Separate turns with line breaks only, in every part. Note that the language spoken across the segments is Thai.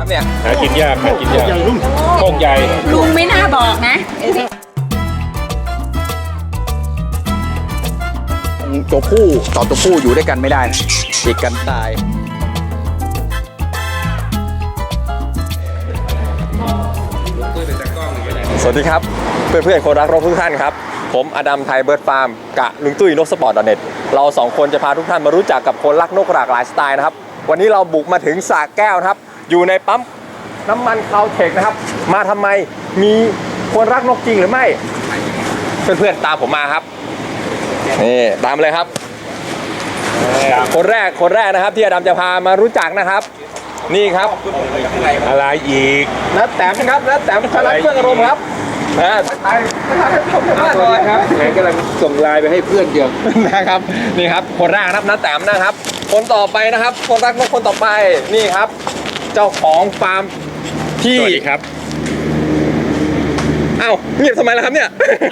ครับเนี่ย
หากินยากโคกใหญ่
ลุงไม่น่าบอกนะ
ตัวผู้ต่อตัวผู้อยู่ด้วยกันไม่ได้ติดกันตายสวัสดีครับเพื่อนๆคนรักนกทุกท่านครับผมอดัมไทยเบิร์ดฟาร์มกะลุงตุ้ยนกสปอร์ต.เน็ตเราสองคนจะพาทุกท่านมารู้จักกับคนรักนกหลากหลายสไตล์นะครับวันนี้เราบุกมาถึงสระแก้วนะครับอยู่ในปั๊มน้ำมันคาวเทคนะครับมาทำไมมีคนรักนกจริงหรือไม่เพื่อนๆตามผมมาครับนี่ตามเลยครับคนแรกนะครับที่อดัมจะพามารู้จักนะครับนี่ครับ
อะไรอีก
นัดแต้มครับนัดแต้มชนะเครื่องอารมณ์ครับ
สวัสดีครับแหมกำลังส่งไลน์ไปให้เพื่อนเดียว
นะครับนี่ครับคนแรกครับนัดแต้มนะครับคนต่อไปนะครับคนรักนกคนต่อไปนี่ครับเจ้าของฟาร์มที่
สวัสดีครับ
อ้าวเงียบทำไมล่ะครับเนี่ย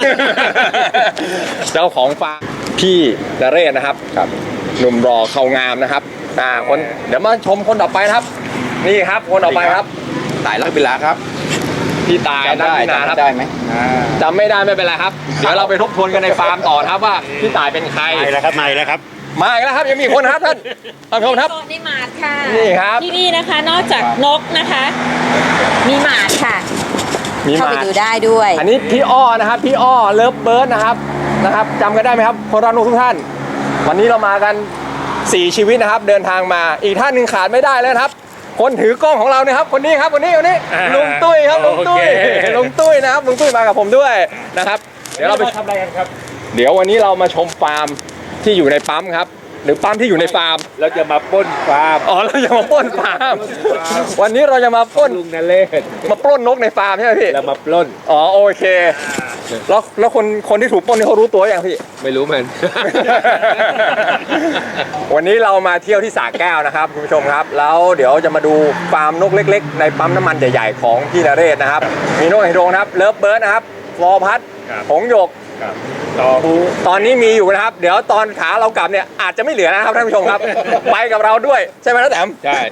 เจ้าของฟาร์มพี่นเรศนะครับครับหนุ่มรอเขางามนะครับคนเดี๋ยวมาชมคนต่อไปนะครับนี่ครับคนต่อไปครับ
ตายรักบิลาครับ
พี่ตายได้
ได้ไหม
จำไม่ได้ไม่เป็นไรครับเดี๋ยวเราไปทบทวนกันในฟาร์มต่อครับว่าพี่ตายเป็นใคร
มาแล้วครับมาอีกแล้ว
ครับยังมีคนครับท่านชมครับ
นี่หมาดค่ะ
นี่ครับ
ที่นี่นะคะนอกจากนกนะคะมีหมาดค่ะเข้าไปดูได้ด้วย
อันนี้พี่อ้อนะครับพี่อ้อเลิฟเบิร์ดนะครับจำกันได้ไหมครับคนรักนกทุกท่านวันนี้เรามากัน4ชีวิตนะครับเดินทางมาอีกท่านหนึ่งขาดไม่ได้เลยครับคนถือกล้องของเราเนี่ยครับคนนี้ครับคนนี้ลุงตุ้ยครับลุงตุ้ยนะครับลุงตุ้ยมากับผมด้วยนะครับเดี๋ยวเราไป
ทำอะไรกันครับ
เดี๋ยววันนี้เรามาชมฟาร์มที่อยู่ในปั๊มครับหรือปั๊มที่อยู่ในฟาร์ม
เราจะมาปล้นฟาร์ม
เราจะมาปล้นฟาร์มวันนี้เราจะมาปล้น
ลุงนเรศ
มาปล้นนกในฟาร์มใช่ไหมพี่
เรามาปล้น
โอเคแล้วคนที่ถูกปล้นนี่เขารู้ตัวยังพี่
ไม่รู้มัน
วันนี้เรามาเที่ยวที่สระแก้วนะครับคุณผู้ชมครับแล้วเดี๋ยวจะมาดูฟาร์มนกเล็กๆในปั๊มน้ำมันใหญ่ๆของพี่นเรศนะครับมีนกไฮโดรนะครับเลิฟเบิร์ดนะครับฟลอพัดหงส์หยกตอนนี้มีอยู่นะครับเดี๋ยวตอนขาเรากลับเนี่ยอาจจะไม่เหลือนะครับท่านผู้ชมครับ ไปกับเราด้วยใช่ไหมน้าแต้ม
ใช่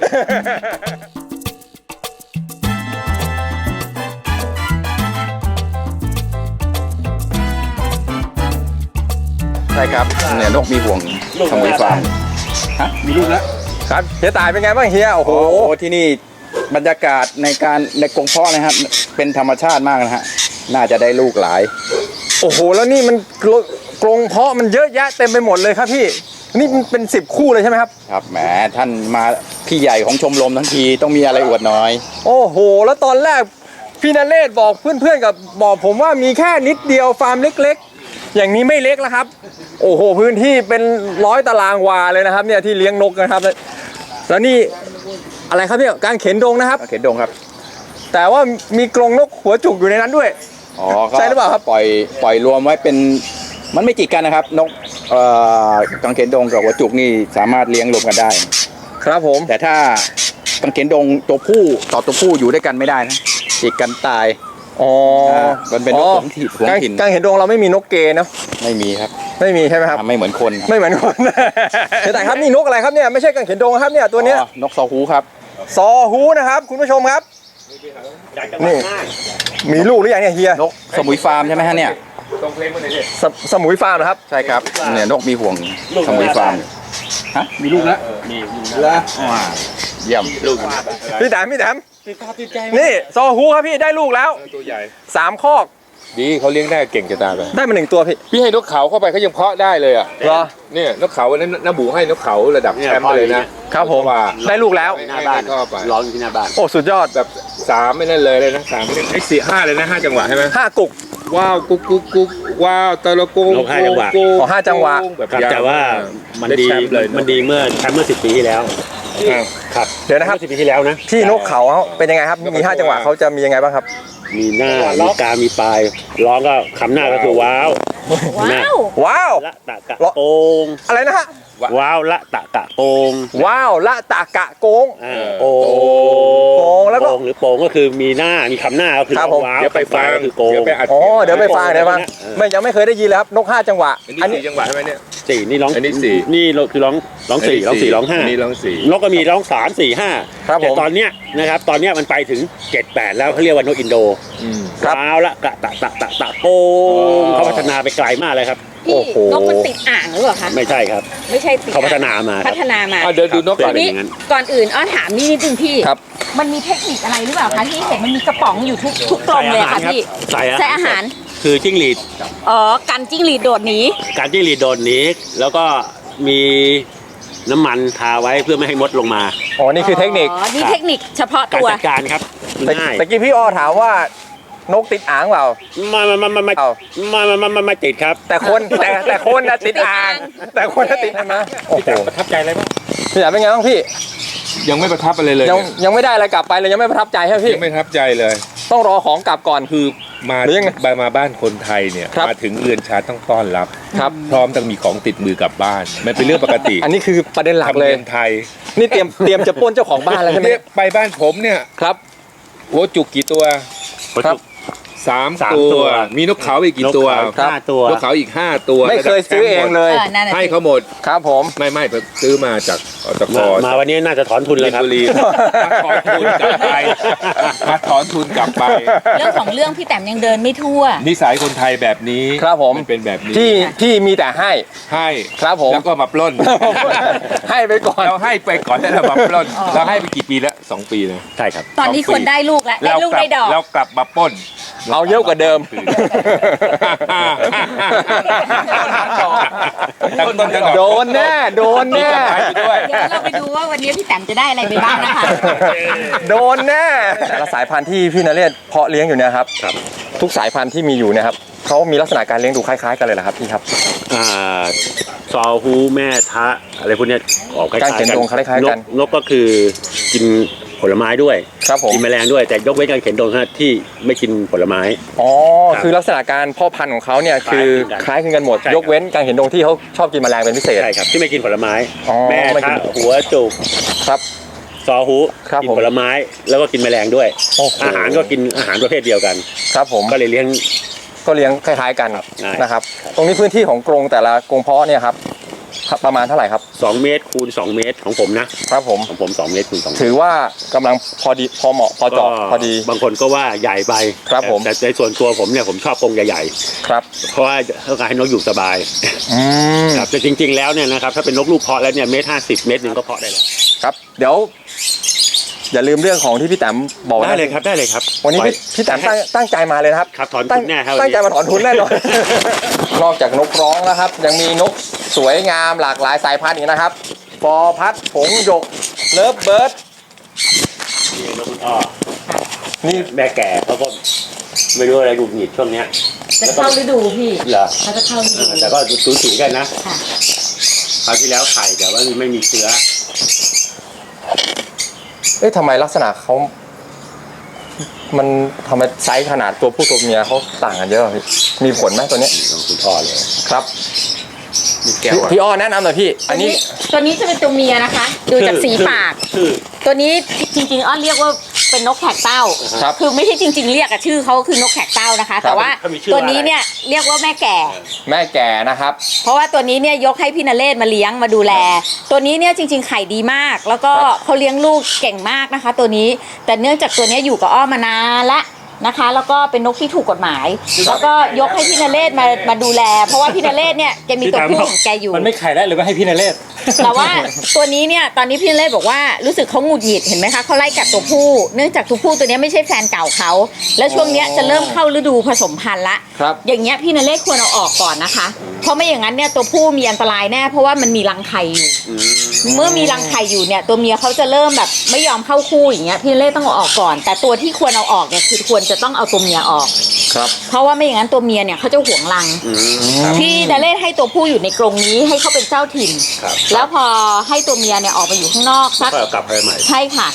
ใช่ครับเนี่ยนกมีห่วงสมุยฟาร์ม
มีลูกแล้ว
ครับเฮียตายเป็นไงบ้างเฮียโอ้โห
ที่นี่บรรยากาศในกรงเพาะนะครับเป็นธรรมชาติมากนะฮะน่าจะได้ลูกหลาย
โอ้โหแล้วนี่มันกรงเพาะมันเยอะแยะเต็มไปหมดเลยครับพี่นี่มันเป็น10 คู่เลยใช่ไหมครับ
ครับแหมท่านมาพี่ใหญ่ของชมรมทั้งทีต้องมีอะไรอวดน้อย
โอ้โหแล้วตอนแรกพี่นเรศบอกเพื่อนๆกับบอกผมว่ามีแค่นิดเดียวฟาร์มเล็กๆอย่างนี้ไม่เล็กแล้วครับโอ้โหพื้นที่เป็น100 ตารางวาเลยนะครับเนี่ยที่เลี้ยงนกนะครับแล้วนี่อะไรครับเนี่ยการเข็นดงนะครับ
เข็นดงครับ
แต่ว่ามีกรงนกหัวจุกอยู่ในนั้นด้วยใช่หรือเปล่าครับ
ปล่อยรวมไว้เป็นมันไม่ติดกันนะครับนกกังเขนดงกับหัวจุกนี่สามารถเลี้ยงรวมกันได้
ครับผม
แต่ถ้ากังเขนดงตัวผู้ต่อตัวผู้อยู่ด้วยกันไม่ได้นะติดกันตายมันเป็นนกหวงถิ่น
กังเขนดงเราไม่มีนกเกย์เนาะ
ไม่มีครับ
ไม่มีใช่ไหมครับ
ไม่เหมือนคน
แต่ครับนี่นกอะไรครับเนี่ยไม่ใช่กังเขนดงครับเนี่ยตัวนี้
นกซอฮูครับ
ซอฮูนะครับคุณผู้ชมครับนี่มีลูกหรือยังเนี่ยเฮีย
นกสมุยฟาร์มใช่ไหมฮะเนี่ย
สมุยฟาร์มนะครับ
ใช่ครับเนี่ยนกมีห่วงสมุยฟาร์ม
มีลูกแล้วมี
แล้วเยี่ยม
ลูกพี่แต้มนี่ซอฮูครับพี่ได้ลูกแล้ว
ตัวใหญ่
3 คอก
ดีเขาเลี้ยงได้เก่งจะตายไป
ได้มา1 ตัว
พี่ให้นกเขาเข้าไปเขายังเพาะได้เลยอ่ะ
เหรอ
เนี่ยนกเขานั้นน้าบูให้นกเขาระดับแชมป์เลยนะครับ
ผมได้ลูกแล้ว
หน้าบ้านร้องอยู่ที่หน้าบ้าน
โอ้สุดยอด
แบบ3ไม่นั่นเลยนะ3ไม่ได้4 5เลยนะ5 จังหวะใช่ไหม
5 กุก
ว้าวกุ๊กว้าวตะละกุ๊ก
5 จังหวะ
5 จังหวะ
แต่ว่ามันดีเมื่อแชมป์เมื่อ10 ปีที่แล้ว
ครับเดี๋ยวนะครับ
10 ปีที่แล้วนะ
ที่นกเขาเป็นยังไงครับมี5 จังหวะเขาจะมียังไงบ้างครับ
มีหน้ามีกามีปลายร้องก็คำหน้าก็คือว้าว
ว้าว
ละตะกะโปง
อะไรนะฮะ
ว้าวละตะกะโกง
ว้าวละตากะโกง
โก
โกงแล้วก็
โกงหรือโปงก็คือมีหน้ามีคำหน้าก็คือ
ครับผม
ว้าว
เดี๋ยวไปฟัง
ก็คือโกง
เดี๋ยวไปอัด
อ๋อเดี๋ยวไปฟังไม่ยังไม่เคยได้ยินเลยครับนก5จังหวะ
อันนี้4จังหวะใช่ไหมเนี่ย
สี่นี่ร้อง
อันนี้สี่
นี่คือร้องสี่ร้องสี่ร้องห้า
อันนี้ร้องสี่
นกก็มีร้อง3 4
ครับ
5แต่
ผม
ตอนเนี้ยนะครับตอนเนี้ยมันไปถึง7 8แล้วเขาเรียกว่านกอินโด
ครับ
ว้าวละกะตะตะตะตะโกงเขาพัฒนาไปไกลมากเลยครับ
พี่
โอ้โห
นกมันติดอ่างหรือเปล่าคะ
ไม่ใช่ครับ
ไม่ใช่ติด
เขาพัฒนามาครับ
พัฒนามา
เดี๋ยวดูนกก่อน
เป็
นี่
อย่างนั้น
ก่อนอื่นอ้อถามนี่นิดนึงพี่
ครับ
มันมีเทคนิคอะไรหรือเปล่าคะที่เห็นมันมีกระป๋องอยู่ทุกกลมเลยค่ะพี่
ใส่
ใส่อาหาร
คือจิ้งหรีด
อ๋อกันจิ้งหรีดโดดหนี
การจิ้งหรีดโดดหนีแล้วก็มีน้ำมันทาไว้เพื่อไม่ให้มดลงมา
อ๋อนี่คือเทคนิค
อ๋อนี่เทคนิคเฉพาะ
การ
ตัว
จัดการครับง่าย
ตะกี้พี่อ้อถามว่านกติดอ่างเปล่า
ไม่
เอา
ไม่ติดครับ
แต่คนแต่คนน่ะติดอ่าง แต่คนน่ะติดใช่ไหมโอ้โห
ประทับใจอะไรบ้าง
พี่แหลมเป็นไงบ้างพี่
ยังไม่ประทับอะไรเลย
ยังไม่ได้อะไรกลับไปเลยยังไม่ประทับใจใช่ไหมพี่
ยังไม่ประทับใจเลย
ต้องรอของกลับก่อน
คือมา
หรือยังไง
มาบ้านคนไทยเนี่ย
ครับ
มาถึงเรือนชาต้องต้อนรับ
ครับ
พร้อมต้องมีของติดมือกลับบ้านมันเป็นเรื่องปกติ
อันนี้คือประเด็นหลัก
ทำ
เลย
เรือนไทย
นี่เตรียมจะปล้นเจ้าของบ้านแล้วใช่ไหม
เนี่ยไปบ้านผมเนี่ย
ครับ
หัวจุกกี่ตัว
ครับ
3
สาม
ตั
ตัว ว
มีนกเขาอีกกี่ตัว
ครับ
5 ตัวน
กเขาอีก 5 ตัว
ไม่เคยซื้อเองเลย
นั่นน่ะ
ให้
สิ
เขาหมด
ครับผม
ไม่ผมซื้อมาจากอตก
มาวันนี้น่าจะถอนทุน
มิ
เลย
น
ครับ
บุรีมาถอนทุนกลับไปมาถอนทุนกลับไป
เรื่องของเรื่องพี่แต้มยังเดินไม่ทั่ว
นิสัยคนไทยแบบนี้
ครับผม
นเป็นแบบนี้
ที่มีแต่ให้
ให้
ครับผม
แล้วก็มาปล้น
ให้ไปก่อน
เราให้ไปก่อนแล้วเรามาปล้นเราให้ไปกี่ปีแล้ว2 ปีนะ
ใช่ครับ
ตอนนี้คนได้ลูกแล้วได้ลูกได้ดอก
เรากลับมาปล้น
เอาเยอะกว่าเดิม
ตั้งต้นตั้งดอก
โดนแน่โดนแน่
ไปด้วย
เดี๋ยวเราไปดูว่าวันนี้พี่แต้มจะได้อะไรไปบ้างนะคะ
โดนแน่แต่ละสายพันธุ์ที่พี่นเรศเพาะเลี้ยงอยู่เนี่ยครับ
ครับ
ทุกสายพันธุ์ที่มีอยู่เนะครับเขามีลักษณะการเลี้ยงดูคล้ายๆกันเลยเหรอครับพี่ครับ
อ่าซอฮูแม่ทะอะไรพวกเนี้ยออกคล้ายๆ
การเขียนดงคล้ายๆกัน
นกก็คือกินผลไม้ด้วย
ครับผม
กินแมลงด้วยแต่ยกเว้นการเขียนดงที่ไม่กินผลไม้
อ๋อ
ครับ
คือลักษณะการเพาะพันธุ์ของเขาเนี่ยคือคล้ายคลึงกันหมด
ใช่ครับ
ยกเว้นการเห็นดงที่เขาชอบกินแมลงเป็นพิเศษ
ใช่ครับที่ไม่กินผลไม้
อ๋อ
แม่
ไม่กิ
ทะ
น
หัวจุก
ครับ
ซอฮู
ครับ
กิ
ผม
ผลไม้แล้วก็กินแมลงด้วย
โอ้โห
อาหารก็กินอาหารประเภทเดียวกัน
ครับผม
ก็เลยเลี้ยง
ก็เลี้ยงคล้ายๆกัน
ง่าย
นะครับ ตรงนี้พื้นที่ของกรงแต่ละกรงเพาะเนี่ยครับประมาณเท่าไหร่ครับ
2 เมตรคูณ 2 เมตรของผมนะครับ
ผม
ของผม2 เมตรคูณ2เมตร
ถือว่ากำลังพอดีพอเหมาะพอเจาะพอดี
บางคนก็ว่าใหญ่ไป
ครับผม
แต่ในส่วนตัวผมเนี่ยผมชอบกรงใหญ่
ครับ
ๆเพราะว่าต้องการให้นกอยู่สบาย
อืม
ครับแต่จริงๆแล้วเนี่ยนะครับถ้าเป็นนกลูกเพาะแล้วเนี่ย1.50 เมตรหนึ่งก็เพาะได้แล้ว
ครับ เดี๋ยว อย่าลืมเรื่องของที่พี่แต้มบอกว้
ได้เลยครับได้เลยครับ
วันนี้พี่แต้มตั้งใจมาเลยนะครับ
ครับถอนทุนแน่ครับ
ตั้งใจมาถอนทุนแน่นอน นอกจากนกร้องแล้วครับ ยังมีนกสวยงามหลากหลายสายพันธุ์อีกนะครับฟอพัดผงหยกเลิฟเบิร์ด
นี่นกคุณอ้อ
นี่
แม่แก่เขาก็ไม่รู้อะไรหงุดหงิดช่วงเนี้ย
จะเข้าฤดูพี่
เหรอ
เขาจะเข้าฤดู
แต่ก็สูสีกันนะ
ค่ะ
คราวที่แล้วไข่แต่ว่าไม่มีเชื้อ
เอ๊ะทำไมลักษณะเขามันทำไมไซส์ขนาดตัวผู้ตัวเมียเขาต่างกันเยอะพี่มีผลไหมตัวเนี้ย
นี่ของคุณอ้อเลย
ครับ
มีแก้วอะ
พี่อ้อแนะนำหน่อยพี่ อันนี้
ตัวนี้จะเป็นตัวเมียนะคะ ดูจากสีปาก
ชื่อ
ตัวนี้จริงๆอ้อนเรียกว่าเป็นนกแขกเต้า
ครับ
คือไม่ใช่จริง ๆ เรียกอะชื่อเขาคือนกแขกเต้านะคะ แต่ว่า
เขามีชื่อ
ตัวนี้
ว่าอะไร
เนี่ยเรียกว่าแม่แก่
แม่แก่นะครับ
เพราะว่าตัวนี้เนี่ยยกให้พี่นเรศมาเลี้ยงมาดูแล ตัวนี้เนี่ยจริง ๆ ไข่ดีมาก แล้วก็
ครับ
เขาเลี้ยงลูกเก่งมากนะคะ ตัวนี้ แต่เนื่องจากตัวเนี้ยอยู่กับอ้อมานานละนะคะ แล้วก็เป็นนกที่ถูกกฎหมาย แล้วก็ยกให้พี่นเรศมาดูแล เพราะว่าพี่นเรศเนี่ยแกมีตัวผู้ของแกอยู่
มันไม่ไข่ได้หรือว่าให้พี่นเรศ
แต่ว่าตัวนี้เนี่ยตอนนี้พี่นเรศบอกว่ารู้สึกเขาหงุดหงิดเห็นไหมคะเขาไล่กัดตัวผู้ เนื่องจากตัวผู้ตัวเนี้ยไม่ใช่แฟนเก่าเขาแล้วช่วงเนี้ยจะเริ่มเข้าฤดูผสมพันธุ์ละ
ครับ
อย่างเงี้ยพี่นเรศควรเอาออกก่อนนะคะ เพราะไม่อย่างนั้นเนี่ยตัวผู้มีอันตรายแน่เพราะว่ามันมีรังไข่อยู่ เมื่อมีรังไข่อยู่เนี่ยตัวเมียเขาจะเริ่มแบบไม่ยอมเข้าคู่อย่างเงี้ยพี่นเรศต้องเอาออกก่อน แต่ตัวที่ควรเอาออกเนี่ยคือควรจะต้องเอาตัวเมียออก
ครับ
เพราะว่าไม่อย่างนั้นตัวเมียเนี่ยเขาจะหวงรัง พี่นเรศให้ตัวผู้อยู่ในกรงนี้ให้เขาเป็นเจ้าถิ่น
ครับ
แล้วพอให้ตัวเมียเนี่ยออกไปอยู่ข้างนอกสัก
ก็เอากลับไปใหม่
ใช่ค่ะ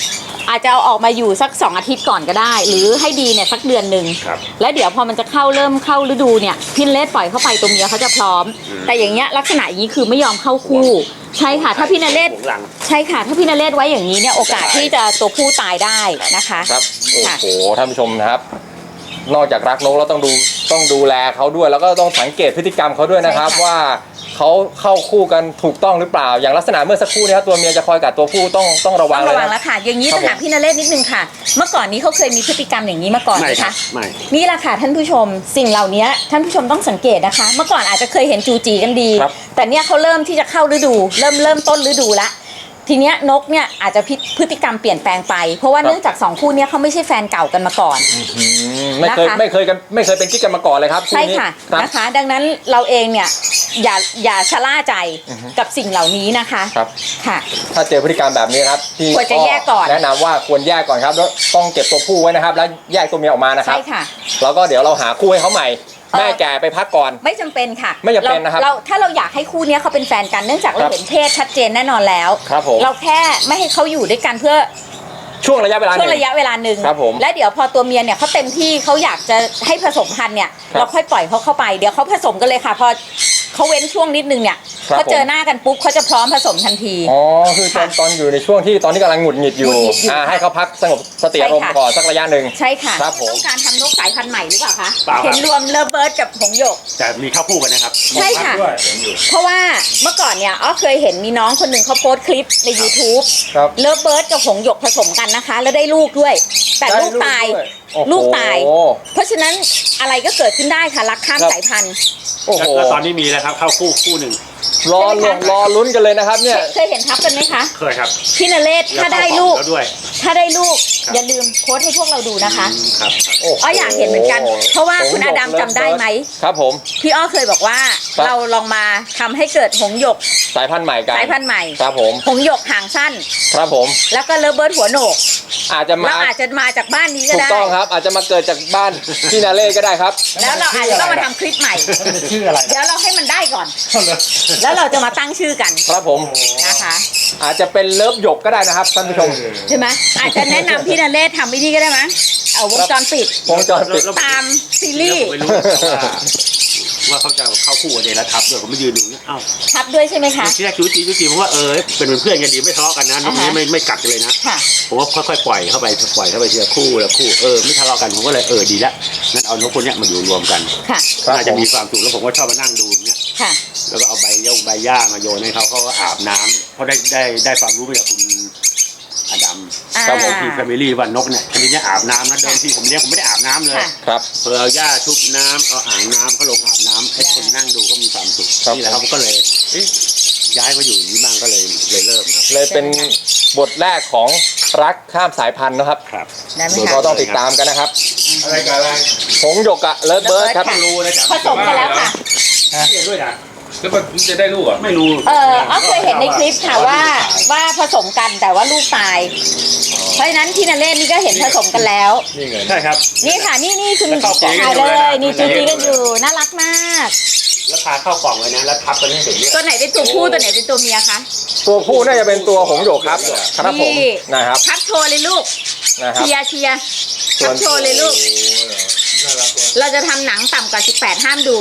อาจจะเอาออกมาอยู่สัก2 อาทิตย์ก่อนก็ได้ หรือให้ดีเนี่ยสักเดือนหนึ่ง
ครับ
แล้วเดี๋ยวพอมันจะเริ่มเข้าฤดูเนี่ยพี่นเรศปล่อยเข้าไปตัวเมียเขาจะพร้อม แต่อย่างเงี้ยลักษณะอย่างนี้คือไม่ยอมเข้าคู่ใช่ค่ะถ้าพี่นเรศ
หวงหลัง
ใช่ค่ะถ้าพี่นเรศไว้อย่างนี้เนี่ยโอกาสที่จะตัวผู้ตายได้นะคะ
ครับโอ้
ค่ะ
โหท่านผู้ชมนะครับ นอกจากรักนกแล้วต้องดูแลเขาด้วย แล้วก็ต้องสังเกตพฤติกรรมเขาด้วยนะครับ
ใช่ค่ะ
ว่าเขาเข้าคู่กันถูกต้องหรือเปล่า อย่างลักษณะเมื่อสักครู่นี้ครับตัวเมียจะคอยกัดตัวผู้ต้องระวั
ต้
ง
อง
เลย
ระวัง
นะ
แล้วค่ะ อย่างนี้
ครับ
ต้องถามพี่นเรศนิดนึงค่ะ เมื่อก่อนนี้เขาเคยมีพฤติกรรมอย่างนี้มาก่อนไห
ไม่
ม
ครั
คะ
บไม่
นี่แหละค่ะท่านผู้ชมสิ่งเหล่านี้ท่านผู้ชมต้องสังเกตนะคะ เมื่อก่อนอาจจะเคยเห็นจูจีกันดี
ครับ
แต่เนี่ยเขาเริ่มที่จะเข้าฤดู เริ่มต้นฤดูละทีเนี้ยนกเนี่ยอาจจะพฤติกรรมเปลี่ยนแปลงไป เพราะว่าเนื่องจาก2 คู่เนี้ยเขาไม่ใช่แฟนเก่ากันมาก่อน
ไม่เคย
นะคะ
ไม่เคยเป็นกิ๊กกันมาก่อนเลยครับ
ใช่
นี้
ค่ะ
ครับ
นะคะ ดังนั้นเราเองเนี่ยอย่าชะล่าใจกับสิ่งเหล่านี้นะคะ
ครับ
ค่ะ
ถ้าเจอพฤติกรรมแบบนี้นะครับที่
ควรจะแยกก่อน
แนะนำว่าควรแยกก่อนครับแล้วต้องเก็บตัวผู้ไว้นะครับ แล้วแยกตัวเมียออกมานะครับ
ใช่ค่ะ
แล้วก็เดี๋ยวเราหาคู่ให้เขาใหม่ แม่แก่ไปพักก่อน
ไม่จำเป็นค่ะ
ไม่จำเป็นนะครับ
ถ้าเราอยากให้คู่เนี้ยเขาเป็นแฟนกันเนื่องจากเรา
ครับ
เห็นเพศชัดเจนแน่นอนแล้ว
ครับผม
เราแค่ไม่ให้เขาอยู่ด้วยกันเพื่อ
ช่วงระยะเวลาห
ช่ว
นึ่
ง
ง
ระยะเวลาหนึ่ง
ครับผม
และเดี๋ยวพอตัวเมียเนี่ยเขาเต็มที่เขาอยากจะให้ผสมพันธุ์เนี่ย
ครับ
เราค่อยปล่อยเขาเข้าไปเดี๋ยวเขาผสมกันเลยค่ะพอเขาเว้นช่วงนิดนึงเนี่ย
ครับ
เขาเจอหน้ากันปุ๊บเขาจะพร้อมผสมทันที
อ๋อคือตอนอยู่ในช่วงที่ตอนนี้กำลังหงุดหงิดอยู่
หงุดหงิดอยู่
ให้เขาพักสงบสติอารมณ์
ใช่ค่ะ
ก่อนสักระยะหนึ่ง
ใช่ค่ะ
ครับผม
ต้องการทำนกสายพันธุ์ใหม่หรือเปล่าคะ
เปล่าครับ
เห็นรวมเลิฟเบิร์ดกับหงส์หยก
แต่มีเข้าคู่กันนะครับ
ใช่ค่ะ
ด้วยเห็นอยู่
เพราะว่าเมื่อก่อนเนี่ยอ้อเคยเห็นมีน้องคนหนึ่งเขาโพสต์คลิปใน YouTube
ครับ
เลิฟเบิร์ดกับหงส์หยกผสมกันนะคะ แล้วได้ลูกด้วย แต่ลูกตาย
ได้ด้วยโอ้โห
ลูกตาย เพราะฉะนั้นอะไรก็เกิดขึ้นได้ค่ะรักข้าม
ครับ
สายพันธุ์
โอ้โห
แล้วตอนนี้มีแล้วครับเข้าคู่หนึ่ง
รอ
ใช่ไหมคะ
รอลุ้นกันเลยนะครับเนี่ย
เคยเห็นทับกันไหมคะ
เคยครับ
พี่นเรศถ้าได้ลูก
แล้วด้วย
ถ้าได้ลูก
ครับ
อย่าลืมโพสต์ให้พวกเราดูนะคะ
ครับ
โอ้โห
อ้ออยากเห็นเหมือนกัน เพราะว่าคุณอาดัมจำได้ไหม
ครับผม
พี่อ้อเคยบอกว่า
ครับ
เราลองมาทำให้เกิดหงส์หยก
สายพันธุ์ใหม่กัน
สายพันธุ์ใหม่
ครับผม
หงส์หยกหางสั้น
ครับผม
แล้วก็เลิฟเบิร์ดหัวโหนก
อาจจะมา
เราอาจจะมาจากบ้านนี้ก็
ถูก
ได้
ต้องครับ อาจจะมาเกิดจากบ้านพี่นาเล่ก็ได้ครับ
แล้วเราอาจจะต้องมาทำคลิปใหม่
ชื่ออะไร
เดี๋ยวเราให้มันได้ก่อน แล้วเราจะมาตั้งชื่อกัน
ครับผม
นะคะ
อาจจะเป็นเลิฟหยกก็ได้นะครับท่านผู้ชม
ใช่ไหมอาจจะแนะนำพี่นเรศทำวิธีก็ได้มั้ยเอาวงจรปิด
วงจรปิด
ตามซีรีส์
ผมไม่รู้ว่าเขาจะเข้าคู่กับเดลทับด้วยผมไม่ยืนดูเนี่ยอ้าว
ทับด้วยใช่ไหมคะ
ที่แรกจูจีผมว่าเป็นเพื่อนกันดีไม่ทะเลาะกันนะน้องนี้ไม่กัดกันเลยนะ
ค่ะ
ผมว่าค่อยๆปล่อยเข้าไปทีละคู่ละคู่ไม่ทะเลาะกันผมก็เลยดีละงั้นเอานกคนเนี้ยมาอยู่รวมกัน
ค่ะ
ครับ
น่าจะมีความสุขแล้วผมก็ชอบมานั่งดูอย่างเนี้ย
ค่ะ
แล้วก็เอาใบหญ้ามาโยนให้เขาก็อาบน้ำเพราะได้ความรู้มาจากคุณอดัม
ครับผม
ที่แฟมิลี่ว่านกเนี่ยชนิดเนี้ยอาบน้ำนะเดิมทีผมเลี้ยงผมไม่ได้อาบน้ำเลย
ค่ะ
ครับ
เอาหญ้าชุบน้ำเอาอ่างน้ำเขาลงอาบน้ำให้คนนั่งดูก็มีความสุข
ครับ
นี่แหละครับก็เลยย้ายมาอยู่อย่างนี้บ้างก็เลยเริ่มครับ
เลยเป็นบทแรกของรักข้ามสายพันธุ์นะครับ
ครับ
ได้ไหม
เดี๋ยว
คะ
ก็ต้องติดตามกันนะครับ
อะไรกับอะไร
หงส์หยกอะเลิฟเบิร์ดครับ
ค่ะ
รู้นะจ๊ะ
ผสมกันแล้วค่ะ
เรียนด้วยนะ
แล้วมันจะได้ลูกอ่ะ
ไม่รู้
อ้อเคยเห็นในคลิปค่ะว่าผสมกันแต่ว่าลูกตาย เพราะฉะนั้นพี่นเรศนี่ก็เห็นผสมกันแล้ว
นี่ไง
ใช่ครับ
นี่ค่ะนี่คุณ
แล้วเข้ากล่อง
ถ่ายเล
กันอยู่เลย
ย
นะ
นี่จูจีกันอยู่น่ารักมาก
แล้วพาเข้ากล่องเลยนะแล้วทับกันให้เสร็จเนี่ย
ตัวไหนเป็นตัวผู้ตัวไหนเป็นตัวเมียคะ
ตัวผู้น่าจะเป็นตัวหงส์หยกครับครับผม
นี่
นะครับ
พับโชว์เลยลูก
นะครับ
เชียร์พับโชว์เลยลูก
น่ารักว่ะ
เราจะทำหนังต่ำกว่า 18 ห้ามดู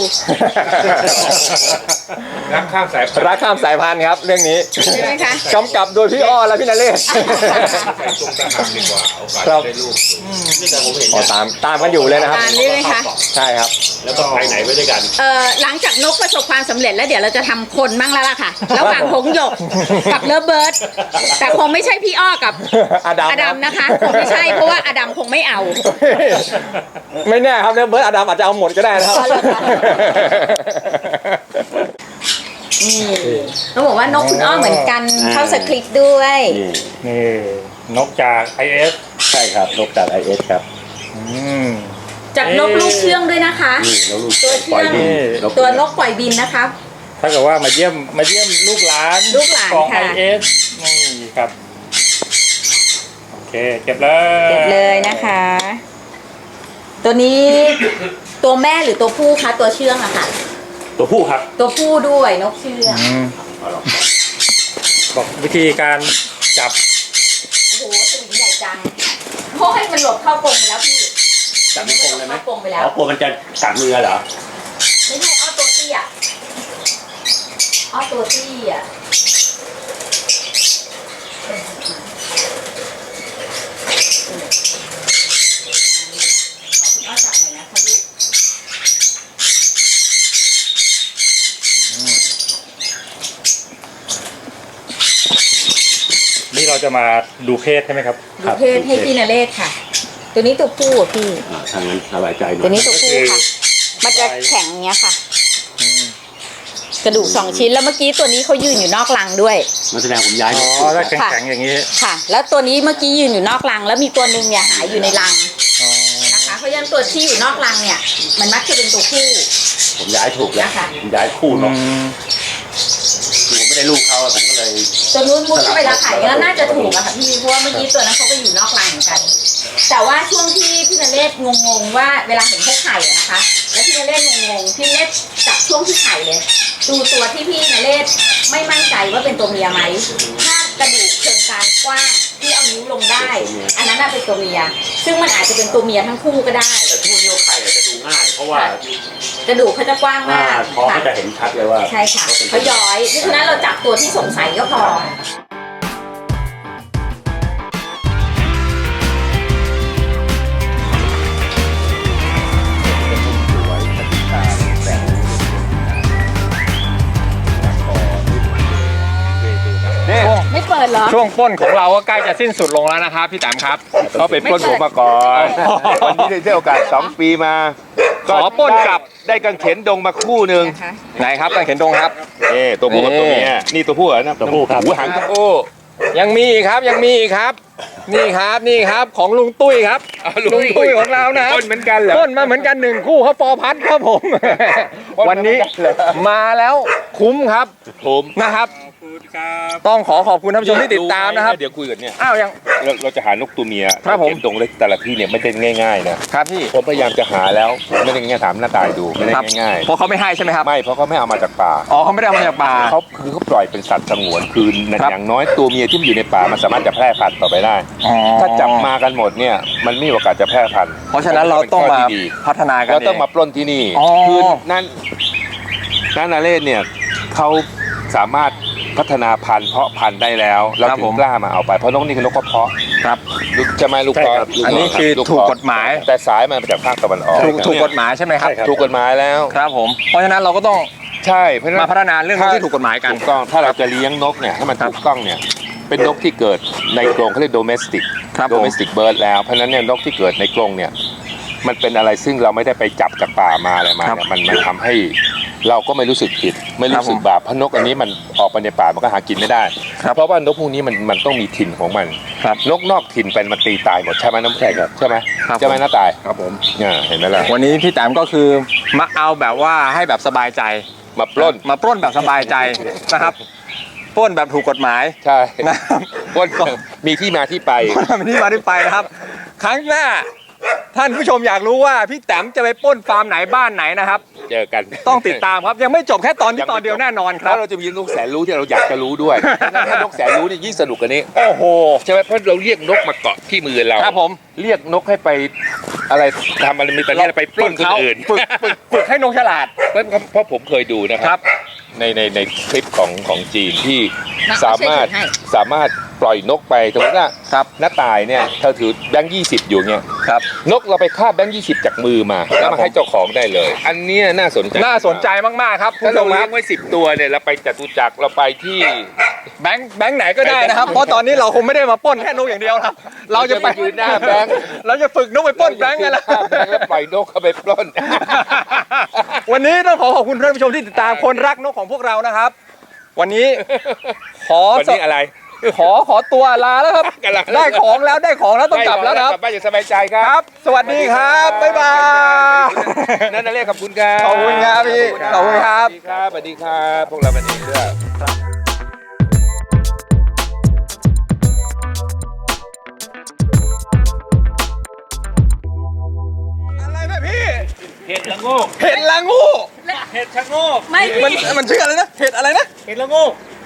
รักข้ามสายพันธุ์
รักข้ามสายพันธุ์ครับเรื่องนี้
ใช่ไหมคะ
กำกับโดยพี่อ้อและพี่นเรศ
ใส่ตรงทหารดีกว่าโอกาส
ครับ
ได้ลูกสูง
นี่แต่ผมเห็น
อ๋อตามกันอยู่เลยนะครับ
ตามนี่เลยค่ะ
ใช่ครับ
แล้วก็ไปไหนไปด้วยกัน
หลังจากนกประสบความสำเร็จแล้วเดี๋ยวเราจะทำคนบ้างแล้วล่ะค่ะ ระหว่างหงส์หยกกับเลิฟเบิร์ดแต่คงไม่ใช่พี่อ้อกับ
อดัม
อดัมนะคะคงไม่ใช่เพราะว่าอดัมคงไม่เอา
ไม่แน่ครับเลิฟเบิร์ดอดัมอาจจะเอาหมดก็ได้นะครับ
อ๋อเหรอคะ นี่ต้องบอกว่านกคุณอ้อเหมือนกันเข้าสคริปต์ด้วย
นี่นกจาก IS
ใช่ครับนกจาก IS ครับ
จากนกลูกเชื่องด้วยนะคะ
นี่แล้วลูก
ตัวเชื่
ปล่
อ
อย
ง
บิน
ตัวนกปล่อยบินนะคะ
ถ้าเกิดว่ามาเยี่ยมลูกหลาน
ลูกหลาน
ของ
ค่ะ
IS นี่ครับ โอเคเก็บเลย
เก็บเลยนะคะ ตัวนี้ตัวแม่หรือตัวผู้คะตัวเชื่องอะค่ะ
ตัวผู้ครับ
ตัวผู้ด้วยนกเชื่อง
บอกวิธีการจับ
โอ้โหสวิงใหญ่ญ่จังโอ้ยมันหลบเข้ากรงไปแล้วพี่
จับไม่กรงเลยไหม
เข้ากรงไปแล้ว
อ๋อกลัวมันจะกัดมือเหรอ
ไม่ใช่อ้อตัวเตี้ยอ้อตัวเตี้ยขอคุณอ้อจับหน่อยนะคะลูก
นี่เราจะมาดูเพศใช่ไหมครับ
ดูเพศให้พี่นเรศค่ะ ตัวนี้ตัวผู้อะพี่
ทางนั้นสบายใจหน่
ตัว
อย
นี้ตัวผู้ค่ะ มันจะแข็งเงี้ยค่ะ กระดูกสองชิ้นแล้วเมื่อกี้ตัวนี้เขายืนอยู่นอกรังด้วย
มันแสดงผมย้าย
อ๋อถ้าแข็งๆอย่างนี้
ค่ะ แล้วตัวนี้เมื่อกี้ยืนอยู่นอกรัง แล้วมีตัวหนึ่งเนี่ยหายอยู่ในรัง
อ๋อ
นะคะ เพราะฉะนั้นตัวที่อยู่นอกรังเนี่ย มันมักจะเป็นตัวผู้
ผมย้ายถูกแล้ว
นะคะ
ผมย้ายคู่เนาะคือผมไม่ได้ลูกเขาอะผมก็เลย
ตัวนู้นมุดเข้าไปแล้วขายแล้วน่าจะถูกอะค่ะพี่ เพราะว่าเมื่อกี้ตัวนั้นเขาก็อยู่นอกรังเหมือนกัน แต่ว่าช่วงที่พี่นเรศงงๆว่าเวลาเห็นเขาไข่อะนะคะ แล้วพี่นเรศงงๆพี่นเรศจับช่วงที่ไข่เลย ดูตัวที่พี่นเรศไม่มั่นใจว่าเป็นตัวเมียไหม ถ้ากระดูกเชิงกรานกว้างที่เอานิ้วลงได้ อันนั้นน่ะเป็นตัวเมีย ซึ่งมันอาจจะเป็นตัวเมียทั้งคู่ก็ได้
แต่คู่ที่เขาไข่อะจะดูง่าย เพราะว่าก
ระดูกเขาจะกว้างมาก
ท้อง
ค่ะ
ก็จะเห็นชัดเลยว่า
ใช่ค่ะเขาย้อยเพราะฉะนั้นเราจับตัวที่สงสัยก็พอ
นี่
ไม่เปิดเหรอ
ช่วงปล้นของเราก็ใกล้จะสิ้นสุดลงแล้วนะครับพี่แตมครับ
เขาไปปล้นผมมาก่อน วันนี้ได้โอกาส2 ปีมา
ขอปล้นกลับ
ได้กางเขนดงมาคู่หนึ่ง
นะคะ
ไหนครับกางเขนดงครับ
นี่ตัวผู้กับตัวเมียนี่ตัวผู้เหรอนะ
ตัวผู้ครับ
หูหางตัวผู้
ยังมีอีกครับยังมีอีกครับ นี่ครับนี่ครับของลุงตุ้ยครับลุงตุ้ยของเรานะ
ปล้นเหมือนกันเหรอ
ปล้นมาเหมือนกัน1 คู่เขาฟอร์พัดครับผม วันนี้มาแล้วคุ้มครับ
ผม
นะครับ
ขอบคุณครับ
ต้องขอบคุณท่านผู้ชมที่ติดตามนะครับ
เดี๋ยวคุยกันเนี่ย
อ้าวยัง
เราจะหานกตัวเมีย
ครับผม
เขนดงเล็กแต่ละที่เนี่ยไม่ได้ง่ายๆนะครับ
พี่
ผมพยายามจะหาแล้วไม่ได้ง่ายๆถามหน้าตายดูไม่ได้
ครับ
ง่าย
เพราะเขาไม่ให้ใช่ไหมครับ
ๆไม่เพราะเขาไม่เอามาจากป่า
อ๋อเขาไม่ได้เอามาจากป่า
เขาปล่อยเป็นสัตว์สงวนคือ
ครับ
อย่างน้อยตัวเมียที่มันอยู่ในป่ามันสามารถจะแพร่พันธุ์ต่อไปได้
อ๋อ
ถ้าจับมากันหมดเนี่ยมันไม่มีโอกาสจะแพร่พันธุ์
เพราะฉะนั้นเราต้องมาพัฒนากัน
เรา
เอ
ต้อง
ง
มาปล้นที่นี่
อ๋อ
คือนั่นนาเรศเนี่ยเขาสามารถพัฒนาพันธุ์เพาะพันธุ์ได้แล้วเราถึงกล้ามาเอาไปเพราะนกนี่คือนกกระเพาะ
ครับ
ลูกจะไม่ลูกเพาะลูก
อันนี้คือ
ลูเพาะ
ถูกกฎหมาย
แต่สายมันมาจากภาคตะวันออก
ถูกกฎหมายใช่ไหมครับ
ถูกกฎหมายแล้ว
ครับผม เพราะฉะนั้นเราก็ต้อง
ใช่เพราะฉะนั้น
มาพัฒนาเรื่องที่ถูกกฎหมายกัน
ถูกต้องถ้าเราจะเลี้ยงนกเนี่ยให้มันถูกต้องเนี่ยเป็นนกที่เกิดในกรงเขาเรียก domestic
ครับผม
domestic bird แล้วเพราะฉะนั้นเนี่ยนกที่เกิดในกรงเนี่ยมันเป็นอะไรซึ่งเราไม่ได้ไปจับจากป่ามาอะไรมาเนี่ยมันทำให้เราก็ไม่รู้สึกผิดไม่รู้สึกบาปเพราะนกอันนี้มันออกไปในป่ามันก็หากินไม่ได้ เพราะว่านกพวกนี้มันต้องมีถิ่นของมัน
ครับ
นกนอกถิ่นเป็นมันตีตายหมดใช่ไหมน้ำแข็งใช่ไหม
ครับ
ใช่ไหมน้าตาย
ครับผม
เห็นไหมล่ะ
วันนี้พี่แต้มก็คือมาเอาแบบว่าให้แบบสบายใจ
มาปล้น
มาปล้นแบบสบายใจนะครับปล้นแบบถูกกฎหมาย
ใช่
นะครับ
ปล้นมีที่มาที่ไป
ปล้นแบบนี้มาที่ไปนะครับ ครั้งหน้า ท่านผู้ชมอยากรู้ว่าพี่แต้มจะไปปล้นฟาร์มไหนบ้านไหนนะครับ
เจอกัน
ต้องติดตามครับยังไม่จบแค่ตอนที่ตอนเดียวแน่นอนค
แล้
รับ
วเราจะมีนกแสนรู้ที่เราอยากจะรู้ด้วยถ้านกแสนรู้นี่ยิ่งสนุกกว่านี้
โอ้โห
ใช่ไหมเพราะเราเรียกนกมาเกาะที่มือเรา
ครับผม
เรียกนกให้ไปอะไรทำอะไรมีแต่เรียกไปปล้นคนอื่น
ฝึกให้นกฉลาด
เพราะผมเคยดูนะค
ครั
รับ ในคลิปของจีนที่
น้อง
สามารถ
ช่วยถือให้
สามารถปล่อยนกไปสมมติว่า
ครับ
หน้าตายเนี่ยเธอถือแบงค์20อยู่เนี่ย
ครับ
นกเราไปคาบแบงค์20จากมือมาแล้วมาให้เจ้าของได้เลย อันเนี้ยน่าสนใจ
น่าสนใจมากๆครับคุณ
ถ้า
ผู้ช
เรา
มค
เลี้
รั
ย
บ
งไว้10 ตัวเนี่ยเราไปจตุจักรเราไปที่
แบงค์ไหนก็ได้นะครับ เพราะตอนนี้เราคงไม่ได้มาปล้นแค่นกอย่างเดียวครับเราจะไป
ยืนหน้าแบงค์
เราจะฝึกนกไปปล้นแบงค์ไงล่ะ
คาบแบงค์แล้วปล่อยนกเข้าไปปล้น
วันนี้ต้องขอบคุณท่านผู้ชมที่ติดตามคนรักนกของพวกเรานะครับ วันนี้ขอ
วันนี้อะไร
ขอตัวลาแล้วครับ
กันละ
ได้ของแล้วต้องกลับแล้วครับ
กลับบ้านอย่างสบายใจค
ค
รั
รับ บ สวัสดีครับบ๊ายบาย
นั่นน่ะเรียกขอบคุณครับ
ขอบคุณครับพี่ขอบคุณครับ
สวัสดีครับสวัสดีครับพวกเราวันนี้ด้วย
อะไรนะพี่
เห็ดละโงก
เห็ดละงู
เห็ดชะโงก
ไม่
มัน
พี่
มันชื่ออะไรนะเห็ดอะไรนะ
เห็ดละโงก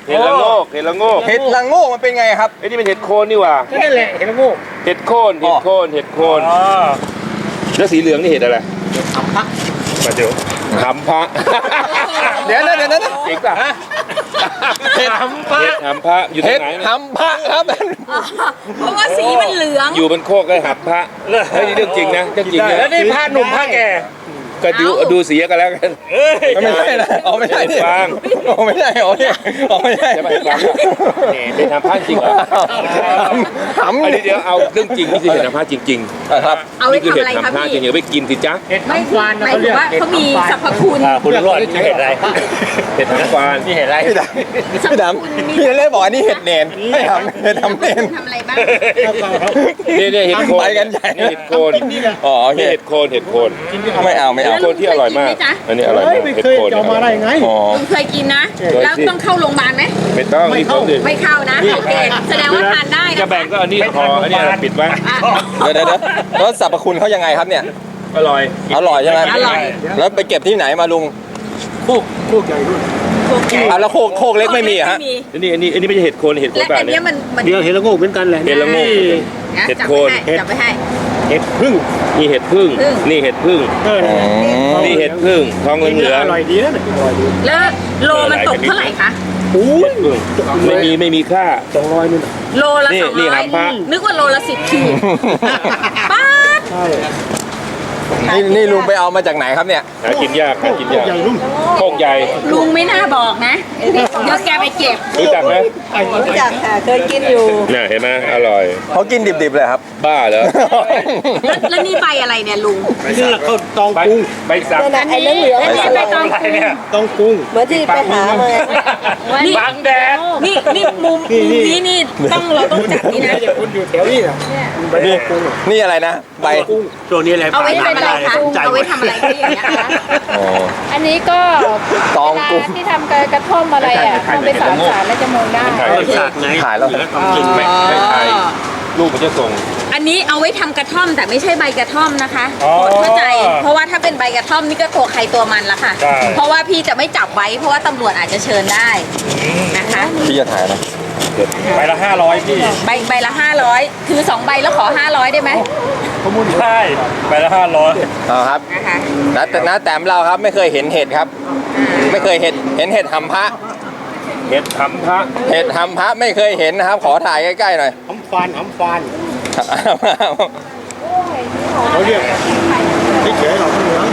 เห็ดละโงกเห็ดละโงก
เห็ดละโงกมันเป็นไงครับ
ไอ้นี่เป็นเห็ดโคนนี่หว่า
นั่นแหละเห็นแล้วงู
เห็ดโคนเห็ดโคนเห็ดโคน
อ๋อ
แล้วสีเหลืองนี่เห็ดอะไร
มาเดี๋ยว
หำพระ
เดี๋ยวนะเดี๋ยวนะ
จริงป่ะ
เห็ด
เห็ดหำพระอยู่ตร
เห็
ง
ด
ไหนเนี่ย
หำพระครับ
เพราะว่าสีมันเหลือง
อยู่บนโคกได้หำพระเฮ้ยนี่เรื่องจริงนะเรื่องจริงนะ
แล้วนี่ผ้าหนุ่มผ้าแก่
ก็ดูเสียกันแล้วกัน
เอ้ย
ไม่ใช่นะอ๋อไม่ใช่นี่
เห็ดฟาง
อ๋อไม่ใช่อ๋อเนี่ยอ๋อไม่ใช่
ใช่ไหมเห็ดฟางเนี่ยเป็นหำพระจริงเหรอ
หำ
อันนี้เดี๋ยวเอาเรื่องจริงนี่คือเห็ดหำพระจริง
ครับ
เอา
ๆ
ไว้
นี่คือ
ทำ
เห็ด
อะไรคะ
หำพระจริ
พี่
งอย่าไปกินสิจ๊ะ
เห็ด
ไม่
ทำฟาน
หมายถึงว่าเขามีสรรพคุณ
คุณรอดนี่เห็ดอะไร
เห็ดหำฟาน
นี่เห็ดอะไร
พี่ดำพี่ดำพี่เล่บอกอันนี้เห็ดเนนไม่ทำเห็ดทำเนน
ทำอะไรบ้าง
เนี่ยเห็ดโคน
ไปกันใหญ่
นี่เห็ดโคน
อ๋อโอเค
นี่เห็ดโคนเห็ดโคน
ไม่เอาไม่
เห็
เอา
ดโคนที่อร่อยมาก อันนี้อร่อยมากเห็ดโคน
จะมาได้ไง
อ๋อ
ลุงเคยกินนะ แล้วต้องเข้าโรงพยาบาลไหม
ไม่ต้องนี่เขาดิ
ไม่เข้านะ โอเค แสดงว่าทานได้
จะ
นะ
แบ่งก็อันนี้พออันนี้ปิดไว้
เดี๋ยวแล้วสรรพคุณเขายังไงครับเนี่ย
อร่อย
อร่อยใช่ไหม
อร่อย
แล้วไปเก็บที่ไหนมาลุง
โคกใหญ่ด้วย
อ่ะแล้วโคกเล็กไม่มีเหรอฮะ
อันนี้ไม่ใช่เห็ดโคนเห็ดโคน
และ
แบบ
อัน
นี้
เนี้ยมัน
เดี๋ยวเห็ดละโงกเหมือนกันแหละ
เห็ดละโงก
นะ
เห็ด
จับ
โคน
ไปให้จับไปให้
เห็ดพึ่ง
นี่เห็ดพึ่ง
พึ่ง
นี่เห็ดพึ่ง นี่เห็ดพึ่งทองเหลือง
อร่อยดีนะอร่อยดี
แล้วโลมันตกเท่าไหร่คะ
อุ้ย
ไม่มีค่า
200นู่น
โลละ
นี่
200
นี่หำพระ
นึกว่าโลละ10ขีดป๊าด
ใช่
นี่ลุงไปเอามาจากไหนครับเนี่ย
หากินยากหากินยาก
ใหญ่รุ่น
โคกใหญ่
ลุงไม่น่าบอกนะ เดี๋ยวแกไปเก็บ
รู้จักไหม
รู้จักค่ะ เคยกินอยู่
เนี่ยเห็นไหมอร่อย
เขากินดิบๆเลยครับ
บ้าเหรอ
แล้วนี่ใบอะไรเนี่ยลุง
นี่เขาตอง
ใบ
กุ้ง
ใบสัก
ไอ้เหลืองๆ
อันนี้ใบตอง
อะไรเนี่ยตองกุ้ง
เหมือนที่ไปหามา
นี่
บังแดด
นี่มุมนี้นี่เราต้องจับนี่นะ
จะคุณอยู่แถวนี้นะใบกุ้ง
นี่อะไรนะใบ
กุ้งตัวนี้อะไร
เอาไว้เป็นอะไรคะ
ใจ
เอาไว้ทำอะไรคะอย่างเงี้ยคะ
อ๋อ
อันนี้ก็
ตองกุ้ง
เวลาที่ทำกระท่อมอะไรอ่ะทำไปสารแล้วจะมองได้
สากไง
ขายแล้ว
ต้องกิน
ไม่ไทยลูกมันจะส่ง
อันนี้เอาไว้ทำกระท่อมแต่ไม่ใช่ใบกระท่อมนะคะโปรดเข้าใจ เพราะว่าถ้าเป็นใบกระท่อมนี่ก็ตัวใครตัวมันละค่ะ เพราะว่าพี่จะไม่จับไว้เพราะว่าตำรวจอาจจะเชิญได้นะคะ
พี่จะถ่ายนะ
ใบละ500พี่
ใบละ500ถือ2ใบแล้วขอ500ได้ไหม
ใช่ใบละ500
เอาครับ
นะคะ
นะแต้มเราครับไม่เคยเห็นเห็ดครับ ไม่เคยเห็นเห็ดหำพระ
เห็ดหำพระ
เห็ดหำพระไม่เคยเห็นนะครับ ขอถ่ายใกล้ๆหน่อย
หำฟานเขาเรียกที่เฉยเราเหลือง